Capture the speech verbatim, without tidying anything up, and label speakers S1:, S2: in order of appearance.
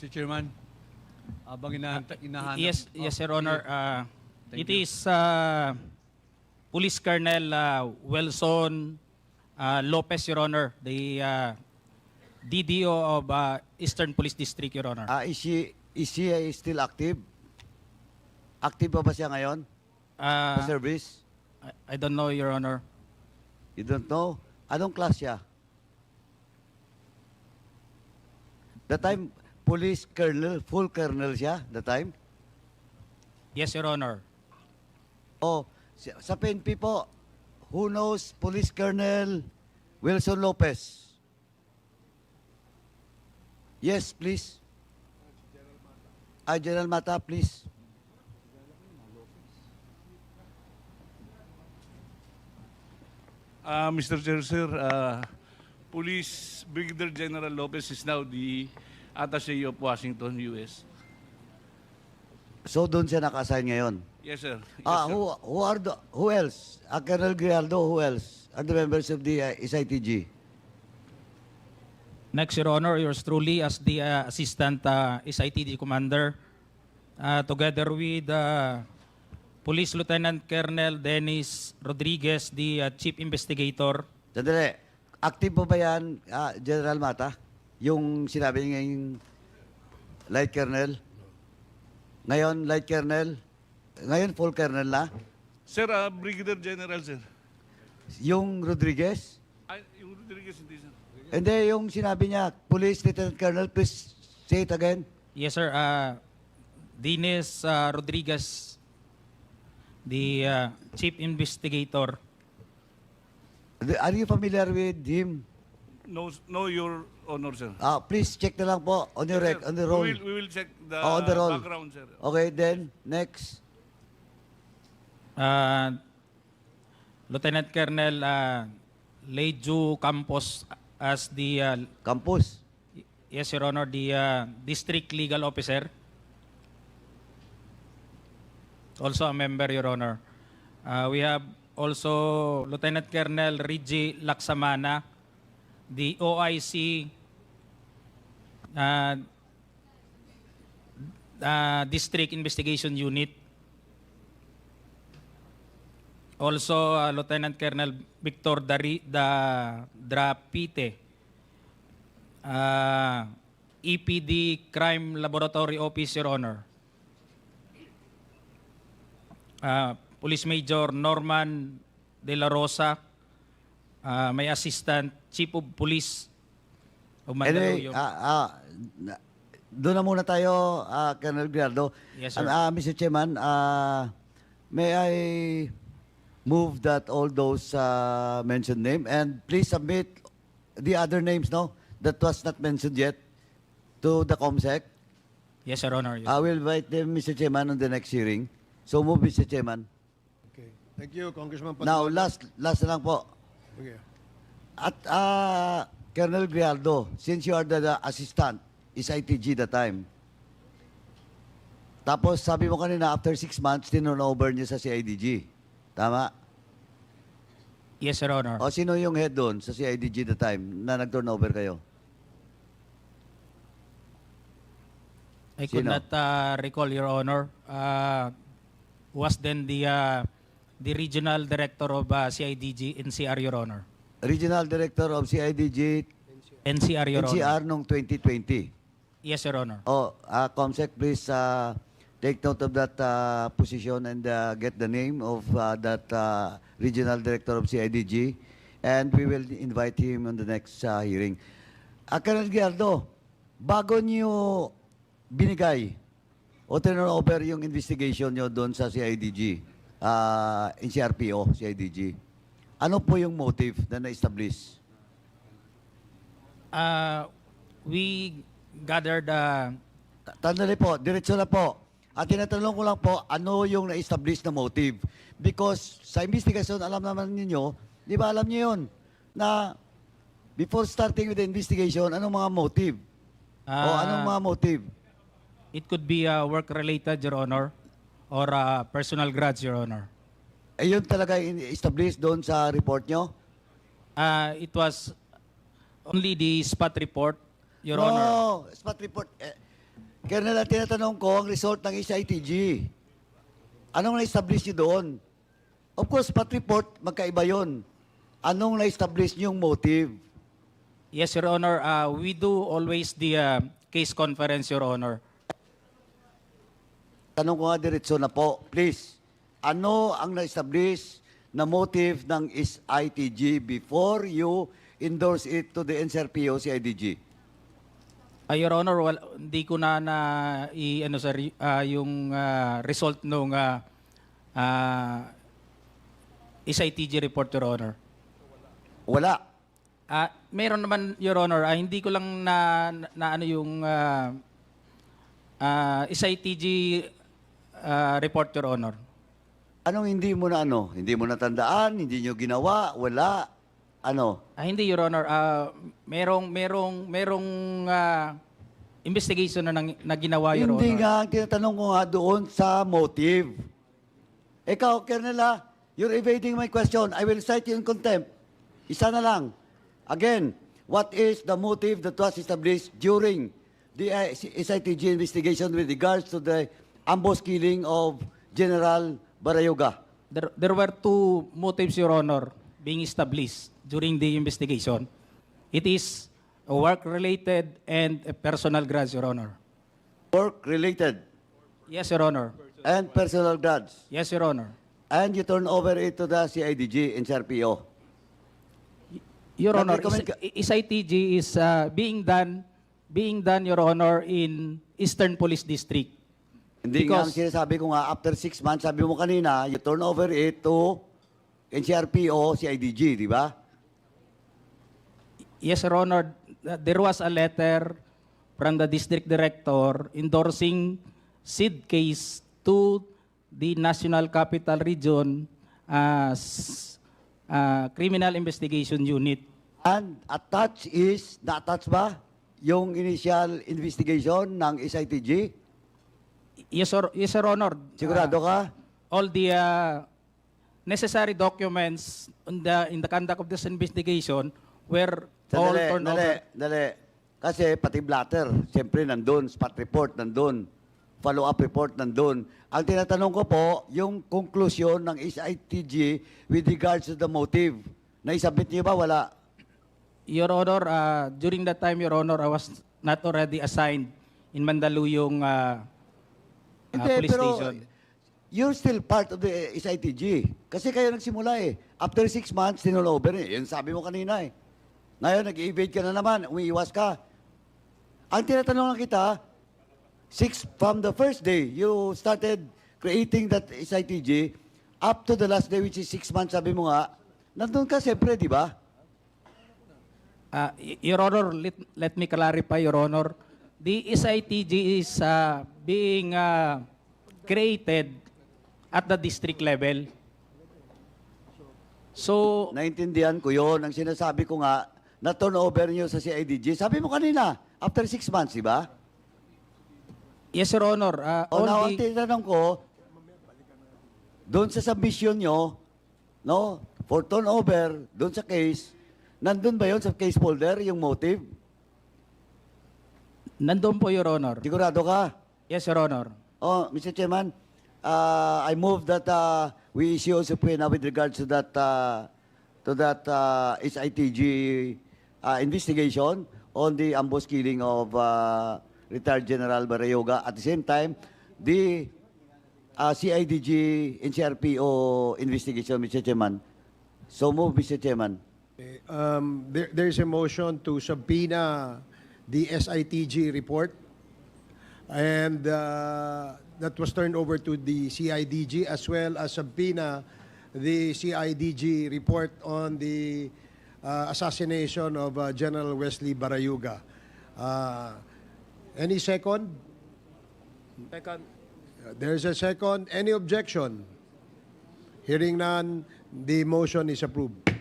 S1: mister Chairman, habang inahanta, inahanap...
S2: Yes,
S1: Oh,
S2: yes, Your Honor.
S1: sige.
S2: Uh,
S1: Thank
S2: it
S1: you.
S2: is uh, Police Colonel uh, Wilson uh, Lopez, Your Honor, the uh, D D O of uh, Eastern Police District, Your Honor.
S3: Ah, is she, is she uh, still active? Active pa ba siya ngayon?
S2: Uh,
S3: Sa service?
S2: I, I don't know, Your Honor.
S3: You don't know? Anong class siya? The time, police colonel, full colonel siya, the time?
S2: Yes, Your Honor.
S3: Oh, sa sa P N P po, who knows Police Colonel Wilson Lopez? Yes, please. Ah, General Mata, please.
S4: Uh, mister Chair, sir, uh, Police Brigadier General Lopez is now the Attaché of Washington, U S.
S3: So doon siya naka-assign ngayon.
S4: Yes, sir. Yes,
S3: Ah,
S4: sir.
S3: who who are the who else? Ah, Colonel Grialdo, who else? Are the members of the uh, S I T G?
S2: Next, Your Honor, yours truly as the uh, Assistant uh, S I T D Commander, uh, together with uh, Police Lieutenant Colonel Dennis Rodriguez, the uh, Chief Investigator.
S3: Sandali. Active po ba yan, ah, General Mata? Yung sinabi niya yung Light Colonel? Ngayon, Light Colonel? Ngayon, full Colonel na?
S4: Sir, uh, Brigadier General, sir.
S3: Yung Rodriguez?
S4: Ay, yung Rodriguez, hindi, sir.
S3: Hindi, yung sinabi niya, Police Lieutenant Colonel, please say it again.
S2: Yes, sir. Uh, Dennis uh, Rodriguez, the uh, Chief Investigator.
S3: Are you familiar with him?
S4: No, no, Your Honor, sir.
S3: Ah, please check na lang po on your
S4: Yes,
S3: rec,
S4: sir.
S3: on the roll.
S4: We will, we will check the,
S3: Oh, on the roll.
S4: background, sir.
S3: Okay, then, next.
S2: Uh, Lieutenant Colonel uh, Leju Campos as the, uh,
S3: Campus.
S2: yes, Your Honor, the uh, District Legal Officer. Also a member, Your Honor. Uh, we have also Lieutenant Colonel Reggie Laksamana, the O I C uh, uh, District Investigation Unit. Also, uh, Lieutenant Colonel Victor Dari, da, Drapite, uh, E P D Crime Laboratory Office, Your Honor. Uh, Police Major Norman De La Rosa, uh, may Assistant Chief of Police of
S3: Anyway,
S2: Mandaluyong.
S3: ah, ah, na- doon na muna tayo, ah, Colonel Grialdo.
S2: Yes, sir.
S3: Ah, ah, Mister Chairman, ah, may I move that all those uh, mentioned name and please submit the other names, no, that was not mentioned yet to the COMSEC.
S2: Yes, Your Honor. Yes.
S3: I will invite them, Mister Chairman, on the next hearing. So move, Mister Chairman.
S5: Okay. Thank you, Congressman
S3: Now,
S5: Paduano.
S3: last, last na lang po.
S5: Okay.
S3: At ah, Colonel Grialdo, since you are the, the assistant, is I T G the time. Tapos sabi mo kanina, after six months, tinunover niyo sa C I D G. Tama?
S2: Yes, Your Honor.
S3: O sino yung head doon sa C I D G the time na nag-turnover kayo?
S2: I could
S3: Sino?
S2: not uh, recall, Your Honor. Uh, was then the uh, the regional director of uh, C I D G N C R, Your Honor.
S3: Regional Director of C I D G
S2: N C R, Your
S3: N C R
S2: Honor.
S3: nung twenty twenty.
S2: Yes, Your Honor.
S3: Oh, uh, COMSEC, please uh, take note of that uh, position and uh, get the name of uh, that uh, Regional Director of C I D G, and we will invite him on the next uh, hearing. Uh, Colonel Giardo, bago niyo binigay o turnover yung investigation niyo doon sa C I D G, uh, N C R P O, C I D G, ano po yung motive na na-establish?
S2: Uh, we gathered uh,
S3: Ta- Tandali po, diretso na po. At tinatanong ko lang po, ano yung na-establish na motive? Because sa investigation, alam naman ninyo, di ba alam niyo yun, na before starting with the investigation, anong mga motive? o
S2: uh,
S3: anong mga motive?
S2: it could be uh, work-related, Your Honor, or uh, personal grudge, Your Honor.
S3: Eh, yun talaga in-establish doon sa report nyo?
S2: Uh, it was only the spot report, Your
S3: no,
S2: Honor.
S3: spot report. Eh, Colonel, ang tinatanong ko, ang result ng S I T G. Anong na-establish niyo doon? Of course, pat report, magkaiba yon. Anong na-establish niyong motive?
S2: Yes, Your Honor. Uh, we do always the uh, case conference, Your Honor.
S3: Tanong ko nga diretso na po, please. Ano ang na-establish na motive ng S I T G before you endorse it to the N C R P O, C I D G?
S2: Uh, Your Honor, wal, hindi ko na na i ano sir uh, yung uh, result nung uh, uh, S I T G report, Your Honor.
S3: Wala.
S2: Ah, meron naman, Your Honor, ah, hindi ko lang na, na, na ano yung ah, ah, S I T G ah, report, Your Honor.
S3: Anong hindi mo na ano? Hindi mo natandaan? Hindi nyo ginawa? Wala? Ano?
S2: Ah, hindi, Your Honor. Ah, merong merong merong ah, investigation na, nang- na ginawa, Your
S3: Hindi
S2: Honor.
S3: nga, ang tinatanong ko nga doon sa motive. Ikaw, Colonel, ah, you're evading my question. I will cite you in contempt. Isa na lang. Again, what is the motive that was established during the uh, S I T G investigation with regards to the ambush killing of General Barayoga?
S2: There, there were two motives, Your Honor, being established during the investigation. It is a work-related and a personal grudge, Your Honor.
S3: Work-related
S2: Yes, Your Honor.
S3: and personal grudge.
S2: Yes, Your Honor.
S3: And you turn over it to the C I D G and C R P O.
S2: Your
S3: Not
S2: Honor,
S3: recommend
S2: is,
S3: ka-
S2: S I T G is uh, being done being done, Your Honor, in Eastern Police District.
S3: Hindi nga ang
S2: Because-
S3: sinasabi ko nga, after six months, sabi mo kanina, you turn over it to N C R P O, C I D G, di ba?
S2: Yes, Your Honor, th- there was a letter from the district director endorsing S I D case to the National Capital Region as uh, Criminal Investigation Unit.
S3: And attached is, na-attach ba yung initial investigation ng S I T G?
S2: Yes, Your, yes, Your Honor.
S3: Sigurado
S2: Uh,
S3: ka?
S2: all the uh, necessary documents in the in the conduct of this investigation were all
S3: Sandali,
S2: turned
S3: dali,
S2: over.
S3: dali. Kasi pati blatter, siyempre nandun, spot report nandun, follow-up report nandun. Ang tinatanong ko po, yung conclusion ng S I T G with regards to the motive, naisabit niyo ba? Wala.
S2: Your Honor, uh, during that time, Your Honor, I was not already assigned in Mandaluyong uh, uh,
S3: Hindi,
S2: police
S3: pero
S2: station.
S3: you're still part of the S I T G. Kasi kayo nagsimula eh. After six months, tinulover eh. Yan sabi mo kanina eh. Ngayon, nag-evade ka na naman, umiiwas ka. Ang tinatanong lang kita, six, from the first day, you started creating that S I T G, up to the last day, which is six months, sabi mo nga, nandun ka siyempre, di ba?
S2: Uh, y- Your Honor, let, let me clarify, Your Honor. The S I T G is uh, being uh, created at the district level. So,
S3: Naintindihan ko yon. Ang sinasabi ko nga, na turnover nyo sa C I D G. Sabi mo kanina, after six months, di ba?
S2: yes, Your Honor. Uh,
S3: O
S2: all
S3: now, ang
S2: the,
S3: tinatanong ko, doon sa submission nyo, no, for turnover, doon sa case, nandun ba yon sa case folder, yung motive?
S2: nandun po, Your Honor.
S3: Sigurado ka?
S2: Yes, Your Honor.
S3: Oh, Mister Chairman, uh, I move that uh, we issue a subpoena with regards to that uh, to that uh, S I T G uh, investigation on the ambush killing of uh, retired General Barayoga. At the same time, the uh, C I D G and C R P O investigation, Mister Chairman. So move, Mister Chairman.
S5: Okay, Um, there, there is a motion to subpoena the S I T G report, and uh, that was turned over to the C I D G, as well as subpoena the C I D G report on the uh, assassination of uh, General Wesley Barayuga. Uh, any second? Second. There's a second. Any objection? Hearing none, the motion is approved.